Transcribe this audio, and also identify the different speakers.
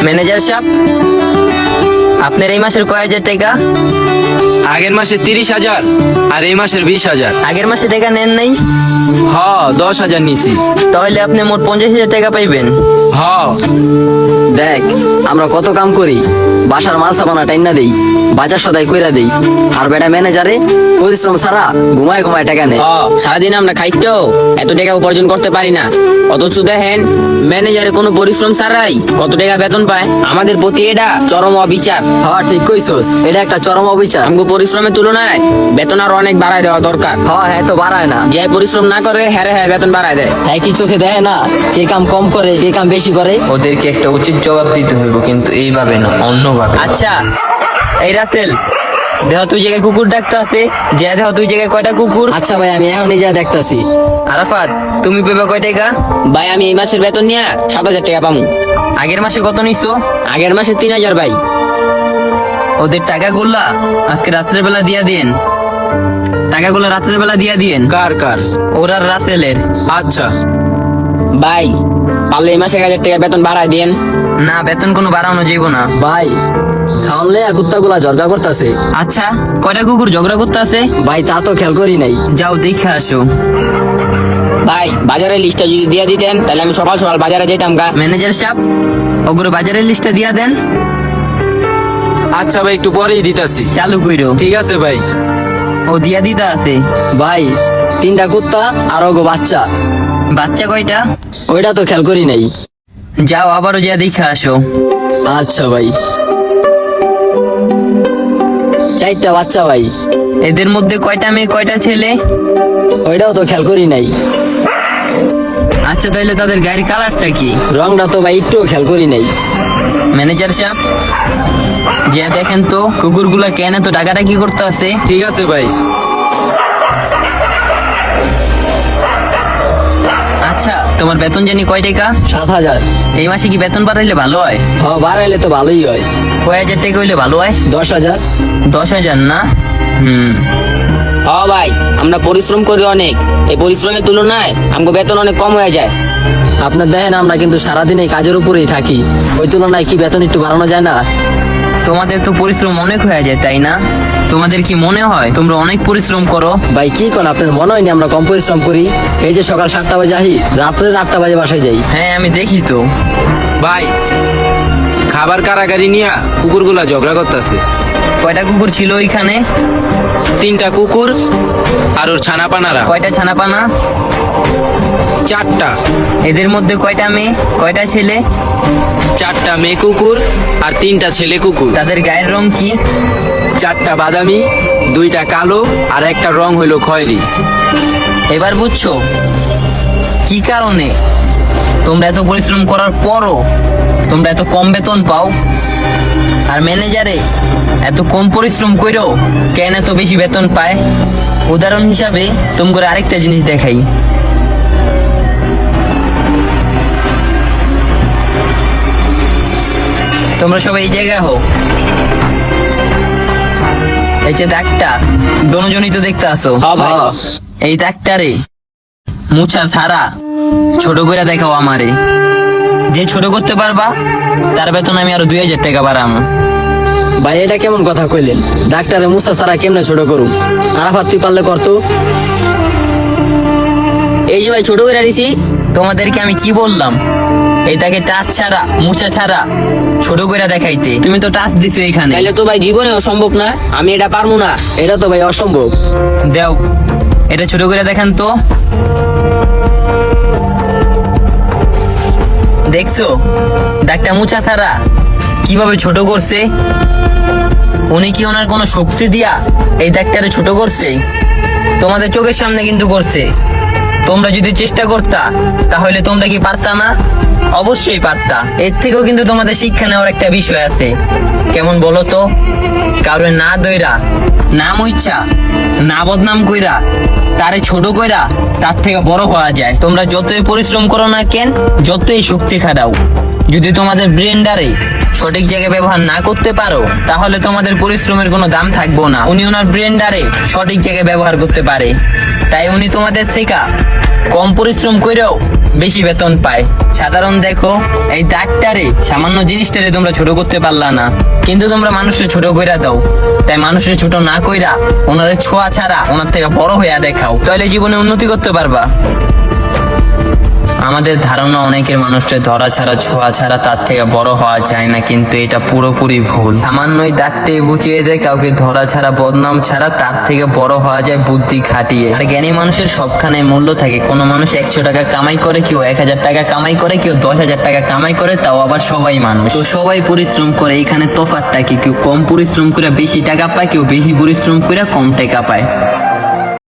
Speaker 1: Manager সাহেব, আপনার এই মাসের কয় হাজার টাকা?
Speaker 2: আগের মাসে 30,000 আর এই মাসের 20,000।
Speaker 1: আগের মাসে টাকা নেন নাই?
Speaker 2: হ, 10,000 নিছি।
Speaker 1: তাহলে আপনি মোট 50,000 টাকা পাইবেন।
Speaker 2: হ,
Speaker 3: দেখ আমরা কত কাম করি, বাসার মাল সাবানা টাইনা দেই, বাজার সদাই কইরা দেই, আর বেটা ম্যানেজারে পরিশ্রম ছাড়া ঘুমায় ঘুমায় টাকা নেই।
Speaker 4: সারাদিন আমরা খাইতো এত টাকা উপার্জন করতে পারি না, অথচ দেখেন ম্যানেজারে কোনো পরিশ্রম ছাড়াই কত টাকা বেতন পায়। আমাদের প্রতি এটা চরম অবিচার।
Speaker 3: হ্যাঁ ঠিক কইছস, এটা একটা চরম অবিচার।
Speaker 4: আমগো পরিশ্রমের তুলনায় বেতন আরো অনেক বাড়ায় দেওয়া দরকার।
Speaker 3: হ্যাঁ তো বাড়ায় না,
Speaker 4: যে পরিশ্রম না করে হ্যাঁ বেতন বাড়ায় দেয়।
Speaker 3: হ্যাঁ কি চোখে দেয় না কে কাম কম করে কে কাম বেশি করে?
Speaker 1: ওদেরকে একটা উচিত জবাব দিতে হইব, কিন্তু এইভাবে না, অন্যভাবে। আচ্ছা এই রাতেল, দেহ তুই জায়গায় কুকুর ডাকতে আছে, যে দেহ তুই জায়গায় কয়টা কুকুর?
Speaker 3: আচ্ছা ভাই আমি এখনই যা দেখতাছি।
Speaker 1: আরাফাত, তুমি পেবে কয় টাকা?
Speaker 4: ভাই আমি এই মাসের বেতন নিয়ে 7,000 টাকা পাবো।
Speaker 1: আগের মাসে কত নিছো?
Speaker 4: আগের মাসে 3,000 ভাই।
Speaker 1: ওদের টাকাগুলা আজকে রাত্রের বেলা দিয়া দিন। টাকাগুলো রাত্রের বেলা দিয়া দিন।
Speaker 2: কার কার?
Speaker 1: ওরা রাতেলের।
Speaker 2: আচ্ছা।
Speaker 4: ভাই পারলে এই মাসে 1,000 টাকা বেতন বাড়ায় দিন।
Speaker 1: না, বেতন কোনো বাড়ানো যাইব না।
Speaker 3: ভাই খাওয়ানলে কুত্তা গুলা ঝরগা করতেছে।
Speaker 1: আচ্ছা, কয়টা কুকুর ঝগড়া করতে আছে?
Speaker 3: ভাই তা তো খেয়াল করি নাই।
Speaker 1: যাও দেখে আসো।
Speaker 4: ভাই বাজারের লিস্টটা যদি দিয়ে দিতেন তাহলে আমি সকাল সকাল বাজারে যেতাম গা।
Speaker 1: ম্যানেজার সাহেব, ওগুলো বাজারের লিস্টটা দিয়া দেন।
Speaker 2: আচ্ছা ভাই, একটু পরেই দিতাছি।
Speaker 1: চালু কইরো।
Speaker 2: ঠিক আছে ভাই।
Speaker 1: ও দিয়া দিতা আছে।
Speaker 3: ভাই 3টা কুত্তা আর ওগো বাচ্চা।
Speaker 1: বাচ্চা কয়টা?
Speaker 3: ওইটা তো খেয়াল করি নাই।
Speaker 1: যাও আবারও যা দেখে আসো।
Speaker 3: আচ্ছা ভাই। 4টা বাচ্চা ভাই।
Speaker 1: এদের মধ্যে কয়টা মেয়ে কয়টা ছেলে?
Speaker 3: ওইটাও তো খেয়াল করি নাই।
Speaker 1: আচ্ছা তাহলে তাদের গায়ের কালারটা কি?
Speaker 3: রংটা তো ভাই একটু খেয়াল করি নাই।
Speaker 1: ম্যানেজার সাহেব, যে দেখেন তো কুকুরগুলা কেন তো টাকাটা কি করতে আছে?
Speaker 2: ঠিক আছে ভাই।
Speaker 1: আচ্ছা, তোমার বেতন জানি কয় টাকা?
Speaker 3: 7,000।
Speaker 1: এই মাসে কি বেতন বাড়াইলে ভালো হয়?
Speaker 3: বাড়াইলে তো ভালোই হয়।
Speaker 1: কয় হাজার টাকা হইলে ভালো হয়?
Speaker 3: 10,000।
Speaker 1: 10,000 না?
Speaker 4: ভাই আমরা পরিশ্রম করি অনেক, এই পরিশ্রমের তুলনায় আমগো বেতন অনেক কম হয়ে যায়।
Speaker 3: আপনার দেখেন আমরা কিন্তু সারাদিন এই কাজের উপরেই থাকি, ওই তুলনায় কি বেতন একটু বাড়ানো যায় না?
Speaker 1: তোমাদের তো পরিশ্রম অনেক হয়ে যায়, তাই না? তোমাদের কি মনে হয় তোমরা অনেক পরিশ্রম করো?
Speaker 3: ভাই কি কোন আপনার মনে হয়নি আমরা কম পরিশ্রম করি? এই যে সকাল 7টা বাজে আহি, রাত্রে 8টা বাজে বাসায় যাই।
Speaker 1: হ্যাঁ আমি দেখি তো।
Speaker 2: ভাই খাবার কারাগারি নিয়া কুকুরগুলা ঝগড়া করতেছে।
Speaker 1: কয়টা কুকুর ছিল ওইখানে?
Speaker 2: 3টা কুকুর আর ওর ছানাপানারা।
Speaker 1: কয়টা ছানাপানা?
Speaker 2: 4টা।
Speaker 1: এদের মধ্যে কয়টা মেয়ে কয়টা ছেলে?
Speaker 2: 4টা মেয়ে কুকুর আর 3টা ছেলে কুকুর।
Speaker 1: তাদের গায়ের রং কি?
Speaker 2: 4টা বাদামি, 2টা কালো আর একটা রং হইলো খয়েরি।
Speaker 1: এবার বুঝছো কি কারণে তোমরা এত পরিশ্রম করার পরও তোমরা এত কম বেতন পাও, আর ম্যানেজারে এত কম পরিশ্রম করেও কেন এত বেশি বেতন পায়? উদাহরণ হিসাবে তোমাকে আরেকটা জিনিস দেখাই। তোমরা সবাই এই জায়গায় হো। এই যে দাগটা দোনোজনই তো দেখতে আসো।
Speaker 4: ভাই
Speaker 1: এই দাগটারে মুছা থারা ছোট করে দেখাও আমারে। যে ছোট করতে পারবা তার বেতন আমি আরো 2,000 টাকা বাড়ামো।
Speaker 3: ভাই এটা কেমন কথা কইলেন? ডাক্তারে মুসা ছাড়া কেমনে ছোট করুম? আরাফাত তুই পারলে করতো।
Speaker 4: এই যে ভাই ছোট করে দিছি।
Speaker 1: তোমাদেরকে আমি কি বললাম? এই তাকে টাচ ছাড়া মুছা ছাড়া ছোট করে দেখাইতে, তুমি তো টাচ দিছো এখানে।
Speaker 4: তাইলে তো ভাই জীবনে অসম্ভব না, আমি এটা পারবো না।
Speaker 3: এটা তো ভাই অসম্ভব।
Speaker 1: দেও এটা ছোট করে দেখান তো। দেখছো দাগটা মুছা ছাড়া কিভাবে ছোট করছে? উনি কি ওনার কোনো শক্তি দিয়া এই দাগটারে ছোট করছে? তোমাদের চোখের সামনে কিন্তু করছে। তোমরা যদি চেষ্টা করতা তাহলে তোমরা কি পারতা না? অবশ্যই পারতা। এর থেকেও কিন্তু তোমাদের শিক্ষা নেওয়ার একটা বিষয় আছে। কেমন বলো তো? কারোর না দইরা না মুইচ্ছা না বদনাম কইরা তারে ছোট কইরা তার থেকে বড় হওয়া যায়। তোমরা যতই পরিশ্রম করো না কেন, যতই শক্তি খাটাও, যদি তোমাদের ব্রেনডারে সঠিক জায়গায় ব্যবহার না করতে পারো তাহলে তোমাদের পরিশ্রমের কোনো দাম থাকবো না। উনি ওনার ব্রেনডারে সঠিক জায়গায় ব্যবহার করতে পারে, তাই উনি তোমাদের থেকে কম পরিশ্রম করেও বেশি বেতন পায়। সাধারণ দেখো, এই ডাক্তারে সামান্য জিনিসটারে তোমরা ছোট করতে পারলা না, কিন্তু তোমরা মানুষের ছোট কইরা দাও। তাই মানুষের ছোট না কইরা ওনারে ছোঁয়া ছাড়া ওনার থেকে বড় হইয়া দেখাও, তাহলে জীবনে উন্নতি করতে পারবা। আমাদের ধারণা অনেকের মানুষের ধরা ছাড়া ছোঁয়া ছাড়া তার থেকে বড় হওয়া যায় না, কিন্তু এটা পুরোপুরি ভুল। সামান্যই দাগটে বুঝিয়ে দেয় কাউকে ধরা ছাড়া বদনাম ছাড়া তার থেকে বড় হওয়া যায় বুদ্ধি খাটিয়ে। আর জ্ঞানী মানুষের সবখানে মূল্য থাকে। কোনো মানুষ 100 টাকা কামাই করে, কেউ 1000 টাকা কামাই করে, কেউ 10,000 টাকা কামাই করে, তাও আবার সবাই মানুষ। তো সবাই পরিশ্রম করে, এখানে তফাৎটা কি? কেউ কম পরিশ্রম করে বেশি টাকা পায়, কেউ বেশি পরিশ্রম করে কম টাকা পায়।